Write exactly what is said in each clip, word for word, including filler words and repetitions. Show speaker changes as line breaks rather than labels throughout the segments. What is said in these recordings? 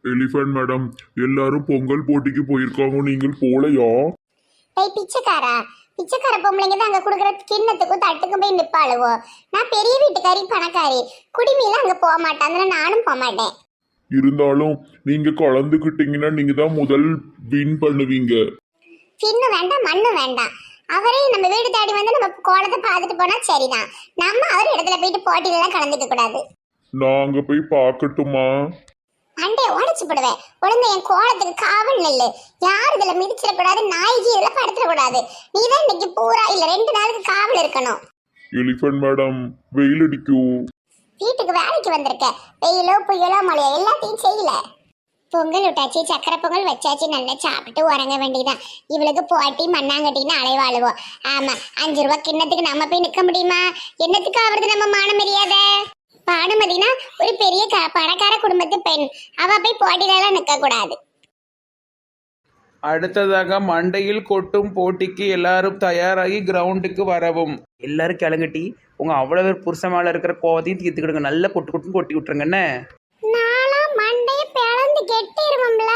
Elephant madam, எல்லாரும் பொங்கல் போட்டிக்கு போயிருக்காங்க, நீங்கள் போலையா?
ஏய் பிச்சைக்காரா, பிச்சைக்கார பொம்பளைங்க தான் அங்க குடுக்குற கிண்ணத்துக்கும் தட்டுக்கும் போய் நிப்பாளுவோ. நான் பெரிய வீட்டுக்காரி பணக்காரி, குடிமையில அங்க போக மாட்டேன், அதனால நானும் போக மாட்டேன்.
இருந்தாலும் நீங்க கலந்துக்கிட்டீங்கன்னா நீங்க தான் முதல் வின் பண்ணுவீங்க.
பின்னு வேண்டாம் மண்ணு வேண்டாம், அவரே நம்ம வீடு தேடி வந்து நம்ம கோலத்தை பார்த்துட்டு போனா சரிதான். நம்ம அவர் இடத்துல போயிட்டு போட்டியில எல்லாம் கலந்துக்க கூடாது.
நான் அங்க போய் பார்க்கட்டுமா?
அண்டே உடச்சு போடுவேன். உடனே என் கோலத்துக்கு காவல் நெல்லு. யார் இதுல மிதிச்சிடக்கூடாது, நாய்க்கு இதுல படுத்துடக்கூடாது. நீ தான் இன்னைக்கு பூரா இல்ல ரெண்டு நாளுக்கு காவல் இருக்கணும்.
எலிஃபண்ட் மேடம், வெயில் அடிக்கும்.
வீட்டுக்கு வேலைக்கு வந்திருக்க, வெயிலோ புயலோ மழையோ எல்லாத்தையும் செய்யல. பொங்கல் விட்டாச்சு, சக்கரை பொங்கல் வச்சாச்சு, நல்லா சாப்பிட்டு உறங்க வேண்டியதான். இவளுக்கு போட்டி மண்ணாங்கட்டின்னு அலைவாழுவோம். ஆமா, அஞ்சு ரூபா கிண்ணத்துக்கு நம்ம போய் நிக்க முடியுமா? என்னத்துக்கு ஆவறது நம்ம மான மரியாதை? பானுமதினா ஒரு பெரிய பணக்கார குடும்பத்து பெண், அவ போய் போட்டியிலலாம் நிக்க கூடாது.
அடுத்ததாக மண்டையில் கொட்டும் போட்டிக்கு எல்லாரும் தயாராகி கிரவுண்டுக்கு வரவும். எல்லாரும் கிளங்கட்டி உங்க அவ்வளவு புருஷன் மேல இருக்கிற கோவத்தையும் தீர்த்துக்கிடுங்க. நல்லா கொட்டு கொட்டுன்னு கொட்டி விட்டுருங்கண்ணே.
நாளா மண்டைய பிளந்து கெட்டிருவோம்ல.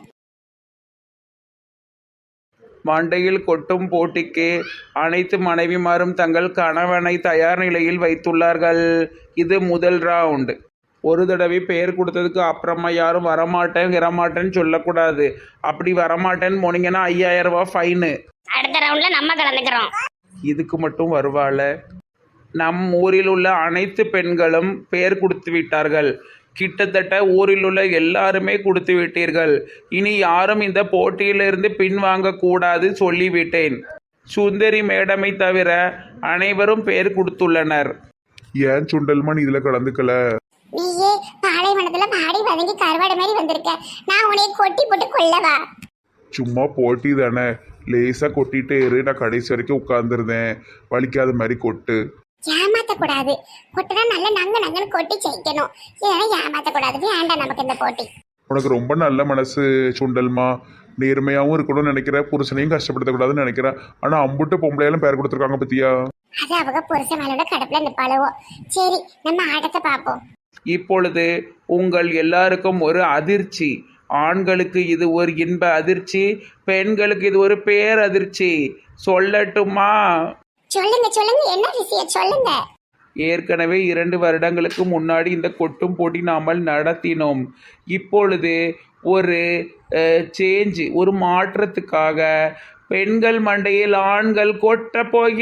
மண்டையில் கொட்டும் போட்டிக்கு அனைத்து மனைவிமாரும் தங்கள் கணவனை தயார் நிலையில் வைத்துள்ளார்கள். இது முதல் ரவுண்ட். ஒரு தடவை பெயர் கொடுத்ததுக்கு அப்புறமா யாரும் வரமாட்டேன் வரமாட்டேன்னு சொல்லக்கூடாது. அப்படி வரமாட்டேன்னு போனீங்கன்னா ஐயாயிரம் ரூபாய் ஃபைனு.
அடுத்த ரவுண்ட்ல நம்ம கலந்துக்கிறோம்.
இதுக்கு மட்டும் வருவாள. நம் ஊரில் உள்ள அனைத்து பெண்களும் பெயர் கொடுத்து விட்டார்கள். கிட்டத்தட்ட ஊரில் உள்ள எல்லாருமே கொடுத்து விட்டீர்கள். இனி யாரும் இந்த போட்டியிலிருந்து பின்வாங்க கூடாது சொல்லிவிட்டேன். சுந்தரி மேடமை தவிர அனைவரும் பெயர் கொடுத்துள்ளனர்.
ஏன் சுண்டல்மான் இதுல கலந்துக்கல?
நீயே பாலைவனத்துல பாடி வதங்கி கருவாடு மாதிரி வந்திருக்க, நான் உன்னை கொட்டி போட்டு கொல்லவா?
சும்மா போட்டி தானே, லேசா கொட்டிட்டே இரு, நான் கடைசி வரைக்கும் உட்கார்ந்துருந்தேன். வலிக்காத மாதிரி கொட்டு.
ஏமாத்த கூடாது, கொட்டினா நல்ல நங்க நங்கன்னு கொட்டி ஜெயிக்கணும். இல்லைன்னா ஏமாத்த கூடாது. வேண்டாம் நமக்கு இந்த போட்டி.
உனக்கு ரொம்ப நல்ல மனசு சுண்டல்மா, நேர்மையாகவும் இருக்கணும்னு நினைக்கிற, புருஷனையும் கஷ்டப்படுத்தக்கூடாதுன்னு நினைக்கிற. ஆனா அம்புட்டு பொம்பளையாலும் பேர் கொடுத்துருக்காங்க பத்தியா?
அது அவங்க புருஷன் மேலோட கடுப்புல நிப்பாளுவோ. சரி, நம்ம ஆட்டத்தை பார்ப்போம்.
இப்பொழுது உங்கள் எல்லாருக்கும் ஒரு அதிர்ச்சி. ஆண்களுக்கு இது ஒரு இன்ப அதிர்ச்சி, பெண்களுக்கு இது ஒரு பேரதிர்ச்சி. சொல்லட்டுமா?
சொல்லுங்க சொல்லுங்க, என்ன விஷயம் சொல்லுங்க.
ஏற்கனவே இரண்டு வருடங்களுக்கு முன்னாடி இந்த கொட்டும் போட்டி நாமல் நடத்தினோம். இப்பொழுது ஒரு சேஞ்ச், ஒரு மாற்றத்துக்காக பெண்கள் மண்டையில் ஆண்கள் கொட்ட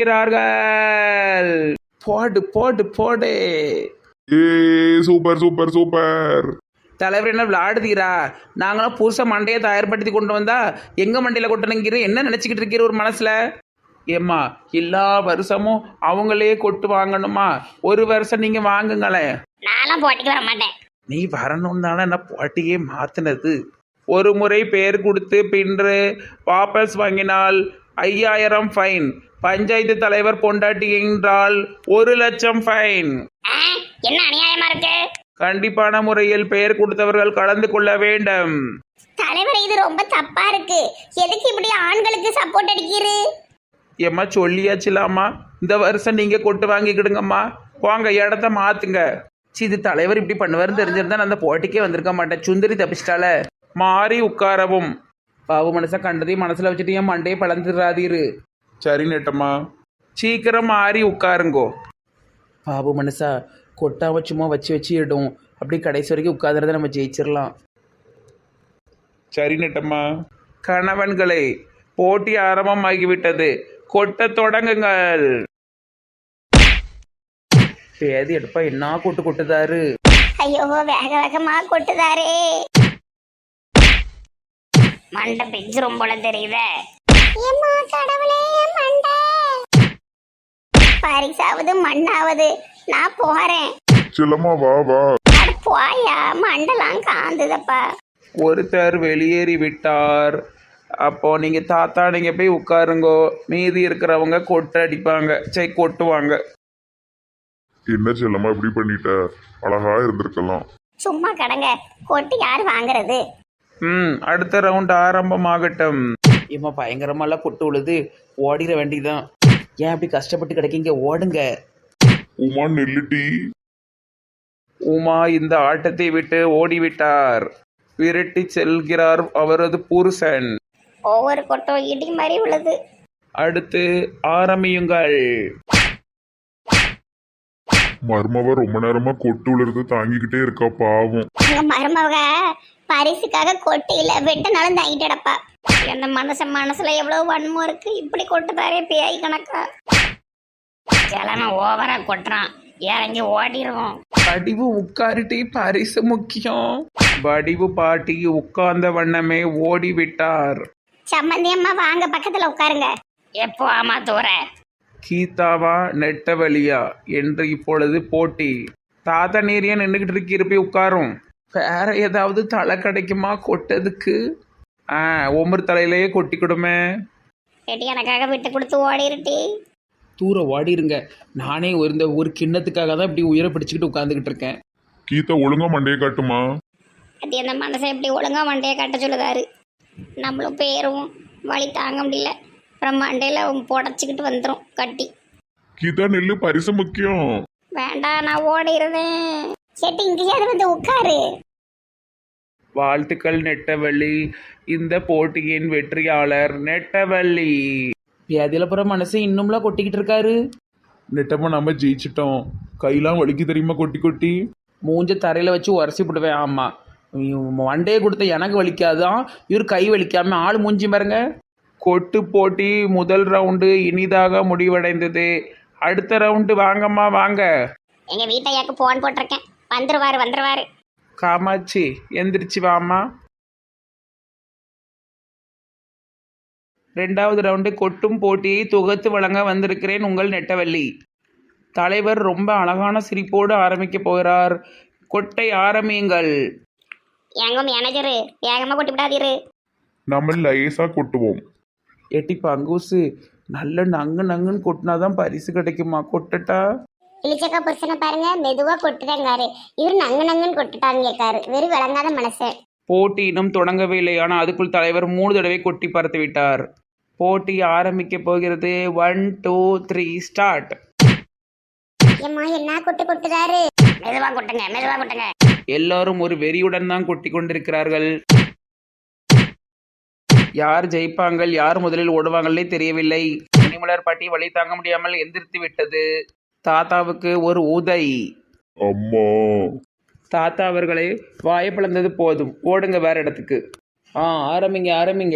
போகிறார்கள். போடு போடு போடு.
ஏ சூப்பர் சூப்பர் சூப்பர்.
தலைவர் என்ன விளையாடுதீரா? நாங்களாம் புதுசாக மண்டையை தயார்படுத்தி கொண்டு வந்தா எங்க மண்டையில கொட்டணுங்கிற என்ன நினைச்சுக்கிட்டு இருக்கிற ஒரு மனசுல? ஏம்மா, எல்லா வருஷமும் அவங்களே கொட்டு வாங்கணுமா? ஒரு வருஷம் நீங்க வாங்குங்களேன்.
நானும் போட்டிக்கு வர மாட்டேன்.
நீ வரணும் தானே நான் போட்டியே மாத்தினது. ஒரு முறை பெயர் கொடுத்து பின்று வாபஸ் வாங்கினால் ஐயாயிரம் ஃபைன். பஞ்சாயத்து தலைவர் பொண்டாட்டி என்றால் ஒரு லட்சம் ஃபைன்.
என்ன அநியாயமா இருக்கு?
கண்டிப்பான முறையில் பெயர் கொடுத்தவர்கள் கலந்து கொள்ள வேண்டும்.
தலைவர், இது ரொம்ப தப்பா இருக்கு. எதுக்கு இப்படி ஆண்களுக்கு சப்போர்ட் அடிக்கிறீரு?
ஏம்மா சொல்லியாச்சுலாமா, இந்த வருஷம் நீங்க கொட்டு வாங்கிக்கிடுங்கம்மா, போங்க இடத்த மாத்துங்க. சி, இது தலைவர் இப்படி பண்ணுவாருன்னு தெரிஞ்சிருந்தா நான் அந்த போட்டிக்கே வந்திருக்க மாட்டேன். சுந்தரி தப்பிச்சிட்டால. மாறி உட்காரவும். பாவு மனசா கண்டதையும் மனசுல வச்சுட்டு என் மண்டையை பழந்துடாதீரு.
சரி நெட்டம்மா,
சீக்கிரம் மாறி உட்காருங்கோ. பாபு மனசா கொட்டாம சும்மா வச்சு வச்சு இடும். அப்படி கடைசி வரைக்கும் உட்காந்துறத நம்ம ஜெயிச்சிடலாம்.
சரி நெட்டம்மா.
கணவன்களே, போட்டி ஆரம்பமாகிவிட்டது. கொட்ட தொடங்குங்கள். பேதி எடுப்பா என்ன கொட்டு கொட்டுதாரு.
ஐயோ, வேக வேகமா கொட்டுதாரே. மண்டை பிஞ்சிரும் போல தெரியுதே. ஏம்மா கடவுளே, மண்டை பரிசாவது மண்ணாவது. நான் போறேன்.
செல்லம்மா வா வா.
போயா, மண்டெல்லாம் காந்துதப்பா.
ஒருத்தர் வெளியேறி விட்டார். அப்போ நீங்க தாத்தா நீங்க போய் உட்காருங்கோ. மீதி இருக்கிறவங்க கொட்டு அடிப்பாங்க, சரி கொட்டுவாங்க.
என்ன செல்லம்மா இப்படி பண்ணிட்ட? அழகா இருந்திருக்கலாம்.
சும்மா கடங்க, கொட்டு யாரு வாங்குறது?
ம் அடுத்த ரவுண்ட் ஆரம்பமாகட்டும். ஏமா பயங்கரமாலாம் கொட்டு உழுது, ஓடிட வேண்டியதான். ஏன் அப்படி கஷ்டப்பட்டு கிடைக்கீங்க? ஓடுங்க.
உமா நெல்லுட்டி.
உமா இந்த ஆட்டத்தை விட்டு ஓடிவிட்டார். விரட்டி செல்கிறார் அவரது புருஷன்.
ஒவ்வொரு கொட்டும் இடி மாதிரி உள்ளது.
அடுத்து ஆரம்பியுங்கள்.
மருமவ ரொம்ப நேரமா கொட்டு விழுறது தாங்கிக்கிட்டே இருக்கா பாவம்.
உங்க மருமக பரிசுக்காக கொட்டு இல்ல வெட்டனாலும் தாங்கிட்டு கிடப்பா. அந்த மனுஷன் மனசுல எவ்வளவு வன்மம் இருக்கு, இப்படி கொட்டுதாரே பேய் கணக்கா. கிழமை ஓவரா கொட்டுறான், இறங்கி ஓடிடுவோம்.
வடிவு உட்காரிட்டே பரிசு முக்கியம். வடிவு பாட்டி உட்கார்ந்த வண்ணமே ஓடிவிட்டார்.
சம்மந்தி அம்மா வாங்க பக்கத்துல உட்காருங்க. எப்போ ஆமா தூர
கீதாவா நெட்டவழியா என்று இப்பொழுது போட்டி. தாத்தா நீரியா நின்றுகிட்டு இருக்கு, இருப்பி உட்காரும். வேற ஏதாவது தலை கிடைக்குமா கொட்டதுக்கு? ஆ ஒவ்வொரு தலையிலேயே கொட்டி கொடுமே.
எட்டி எனக்காக விட்டு கொடுத்து ஓடிருட்டி.
தூர ஓடிருங்க. நானே ஒரு இந்த ஒரு கிண்ணத்துக்காக தான் இப்படி உயிரை பிடிச்சிக்கிட்டு உட்காந்துக்கிட்டு இருக்கேன்.
கீதா ஒழுங்கா மண்டையை காட்டுமா.
அது அந்த மனசை எப்படி ஒழுங்கா மண்டையை கட்ட சொல்லுதாரு. நம்மளும் பேரும் வழி தாங்க முடியல, அப்புறம் மண்டையில் புடச்சிக்கிட்டு வந்துடும் கட்டி.
கீதா நெல்லு பரிசு முக்கியம்.
வேண்டாம் நான் ஓடிடுறேன். செட்டி இங்கேயாவது வந்து உட்காரு.
வாழ்த்துக்கள் நெட்டவள்ளி, இந்த போட்டியின் வெற்றியாளர் நெட்டவள்ளி. வியாதியிலப்புற மனசு இன்னும்லாம் கொட்டிக்கிட்டு இருக்காரு.
நெட்டமா நம்ம ஜெயிச்சிட்டோம். கையெல்லாம் வலிக்கு தெரியுமா கொட்டி கொட்டி.
மூஞ்ச தரையில் வச்சு உரசி போடுவேன். ஆமாம், வண்டையை கொடுத்த எனக்கு வலிக்காதான், இவர் கை வலிக்காம ஆள் மூஞ்சி பாருங்க. கொட்டு போட்டி முதல் ரவுண்டு இனிதாக முடிவடைந்தது. அடுத்த ரவுண்டு வாங்கம்மா வாங்க.
எங்க வீட்டையாக்கு போன் போட்டிருக்கேன், வந்துருவாரு வந்துருவாரு.
காமாட்சி எந்திரிச்சு வாமா. ரெண்டாவது ரவுண்டு கொட்டும் போட்டியை தொகுத்து வழங்க வந்திருக்கிறேன் உங்கள் நெட்டவள்ளி. தலைவர் ரொம்ப அழகான சிரிப்போடு ஆரம்பிக்க போகிறார். கொட்டை ஆரம்பியுங்கள்.
எங்க மேனேஜரு வேகமா கொட்டி விடாதீரு.
நம்ம லேசா கொட்டுவோம்.
எட்டி பங்கூசு நல்ல நங்கு நங்குன்னு கொட்டினாதான் பரிசு கிடைக்குமா? கொட்டட்டா?
இளிச்சக்கா புருஷனை பாருங்க, மெதுவா கொட்டுதாங்காரு. இவர் நங்கு நங்குன்னு கொட்டுட்டான்னு கேட்காரு. வெறும் விளங்காத மனசு.
போட்டி இன்னும் தொடங்கவே இல்லை, ஆனால் அதுக்குள் தலைவர் மூணு தடவை கொட்டி பார்த்து விட்டார். போட்டி ஆரம்பிக்க போகிறது. One two three start.
ஏம்மா என்ன கொட்டு கொட்டுதாரு. மெதுவா கொட்டுங்க மெதுவா கொட்டுங்க.
எல்லாரும் ஒரு வெறியுடன் தான் கொட்டி கொண்டிருக்கிறார்கள். யார் ஜெயிப்பாங்கள், யார் முதலில் ஓடுவாங்களே தெரியவில்லை. மணிமலர் பாட்டி வழி தாங்க முடியாமல் எந்திரித்து விட்டது. தாத்தாவுக்கு ஒரு உதை.
அம்மா
தாத்தா அவர்களே, வாயை பிளந்தது போதும், ஓடுங்க வேற இடத்துக்கு. ஆ ஆரம்பிங்க ஆரம்பிங்க.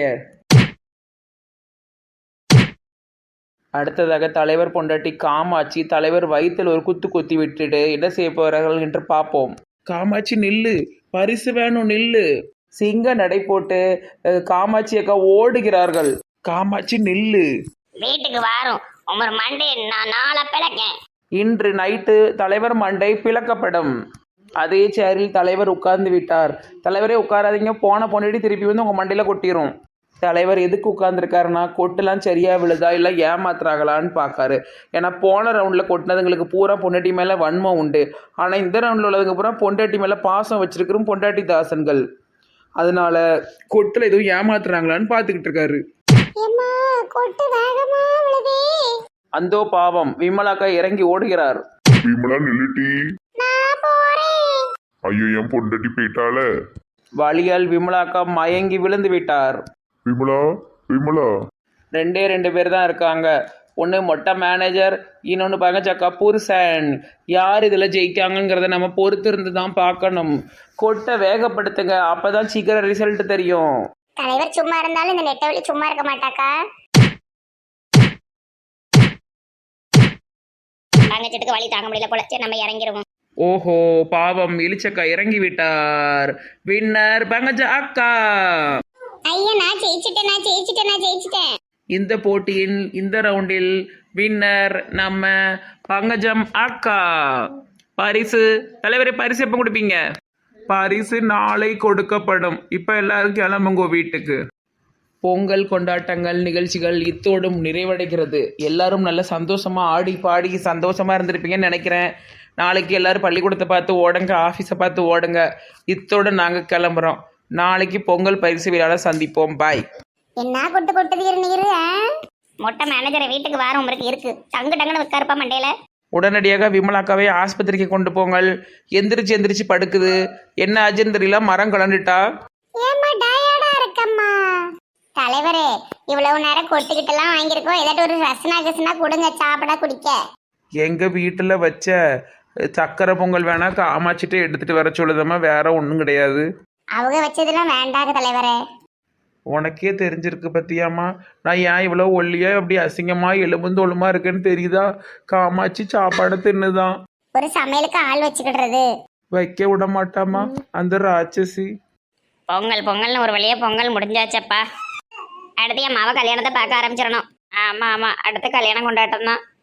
அடுத்ததாக தலைவர் பொண்டாட்டி காமாட்சி தலைவர் வயிற்றில் ஒரு குத்து குத்தி விட்டுட்டு என்ன செய்ய போகிறார்கள் என்று பார்ப்போம். காமாட்சி நில்லு, பரிசு வேணும் நில்லு. சிங்க நடை போட்டு காமாட்சி அக்கா ஓடுகிறார்கள். காமாட்சி நில்லு.
வீட்டுக்கு வாரும் உமர் மண்டே நான் நாளை பிளக்கேன்.
இன்று நைட்டு தலைவர் மண்டை பிளக்கப்படும். அதே சேரில் தலைவர் உட்கார்ந்து விட்டார். தலைவரே உட்காராதீங்க, போன பொண்ணுடி திருப்பி வந்து உங்கள் மண்டையில் கொட்டிடும். தலைவர் எதுக்கு உட்கார்ந்துருக்காருன்னா கொட்டுலாம் சரியா விழுதா இல்லை ஏமாத்துறாங்களான்னு பார்க்காரு. ஏன்னா போன ரவுண்டில் கொட்டினதுங்களுக்கு பூரா பொண்டாட்டி மேலே வன்மம் உண்டு. ஆனால் இந்த ரவுண்டில் உள்ளதுக்கு பூரா பொண்டாட்டி மேலே பாசம் வச்சிருக்கிறோம் பொண்டாட்டி தாசன்கள். அதனால கொட்டில் எதுவும் ஏமாத்துறாங்களான்னு பார்த்துக்கிட்டு இருக்காரு. அந்தோ பாவம், விமலாக்கா இறங்கி ஓடுகிறார்.
விமலா நில்லுட்டி. ஐயோ என் பொண்டாட்டி போயிட்டால.
வழியால் விமலாக்கா மயங்கி விழுந்து விட்டார்.
விமலா விமலா
ரெண்டே ரெண்டு பேர் தான் இருக்காங்க. ஒன்று மொட்டை மேனேஜர், இன்னொன்று பங்கச்சக்கா புருஷன். யார் இதில் ஜெயிக்காங்கங்கிறத நம்ம பொறுத்து இருந்து தான் பார்க்கணும். கொட்டை வேகப்படுத்துங்க, அப்போ தான் சீக்கிரம் ரிசல்ட் தெரியும்.
தலைவர் சும்மா இருந்தாலும் இந்த நெட்டவழி சும்மா இருக்க மாட்டாக்கா. பங்கச்சட்டுக்கு வழி தாங்க முடியல போல, சரி நம்ம இறங்கிடுவோம்.
ஓஹோ பாவம், இளிச்சக்கா இறங்கி விட்டார். வின்னர் பங்கஜ அக்கா.
ஐயா நான் ஜெயிச்சிட்டேன் நான் ஜெயிச்சிட்டேன் நான் ஜெயிச்சிட்டேன்.
இந்த போட்டியின் இந்த ரவுண்டில் வின்னர் நம்ம பங்கஜம் அக்கா. பரிசு தலைவரே, பரிசு எப்போ கொடுப்பீங்க? பரிசு நாளை கொடுக்கப்படும். இப்போ எல்லாரும் கிளம்புங்க வீட்டுக்கு. பொங்கல் கொண்டாட்டங்கள் நிகழ்ச்சிகள் இத்தோடும் நிறைவடைகிறது. எல்லாரும் நல்ல சந்தோஷமா ஆடி பாடி சந்தோஷமா இருந்திருப்பீங்கன்னு நினைக்கிறேன். நாளைக்கு எல்லாரும் பள்ளிக்கூடத்தை பார்த்து ஓடுங்க, ஆஃபீஸை பார்த்து ஓடுங்க. இத்தோடு நாங்கள் கிளம்புறோம். நாளைக்கு பொங்கல் பரிசு விழாவில் சந்திப்போம். பாய்.
என்ன கொட்டு கொட்டுது நீரு. மொட்டை மேனேஜரை வீட்டுக்கு வாரம் உங்களுக்கு இருக்கு. டங்கு டங்குன்னு வைக்காருப்பா மண்டையில.
உடனடியாக விமலாக்காவை ஆஸ்பத்திரிக்கு கொண்டு போங்கள். எந்திரிச்சு எந்திரிச்சு படுக்குது. என்ன ஆச்சுன்னு தெரியல, மரம் கலண்டுட்டா.
தலைவரே இவ்வளவு நேரம் கொட்டுக்கிட்டெல்லாம் வாங்கியிருக்கோம், ஏதாட்டும் ஒரு ரசனா கசனா கொடுங்க சாப்பிட குடிக்க.
எங்கள் வீட்டில் வச்ச சக்கரை பொங்கல் வேணா காமாச்சிட்டு எடுத்துகிட்டு வர சொல்லுதம்மா, வேற ஒன்றும் கிடையாது.
அவங்க வச்சதெல்லாம் வேண்டாங்க தலைவரே.
உனக்கே தெரிஞ்சிருக்கு பத்தியாம்மா, நான் ஏன் இவ்வளோ ஒல்லியா அப்படி அசிங்கமாக எலும்புந்தோளுமா இருக்கேன்னு தெரியுதா? காமாட்சி சாப்பாடை தின்னுதான்.
ஒரு சமையலுக்கு ஆள் வச்சுக்கிடுறது
வைக்க விட மாட்டாமா அந்த ராட்சசி.
பொங்கல் பொங்கல்னு ஒரு வழியாக பொங்கல் முடிஞ்சாச்சப்பா. அடுத்து என் மாவ கல்யாணத்தை பார்க்க ஆரம்பிச்சிடணும். ஆமாம் ஆமாம், அடுத்து கல்யாணம் கொண்டாட்டம் தான்.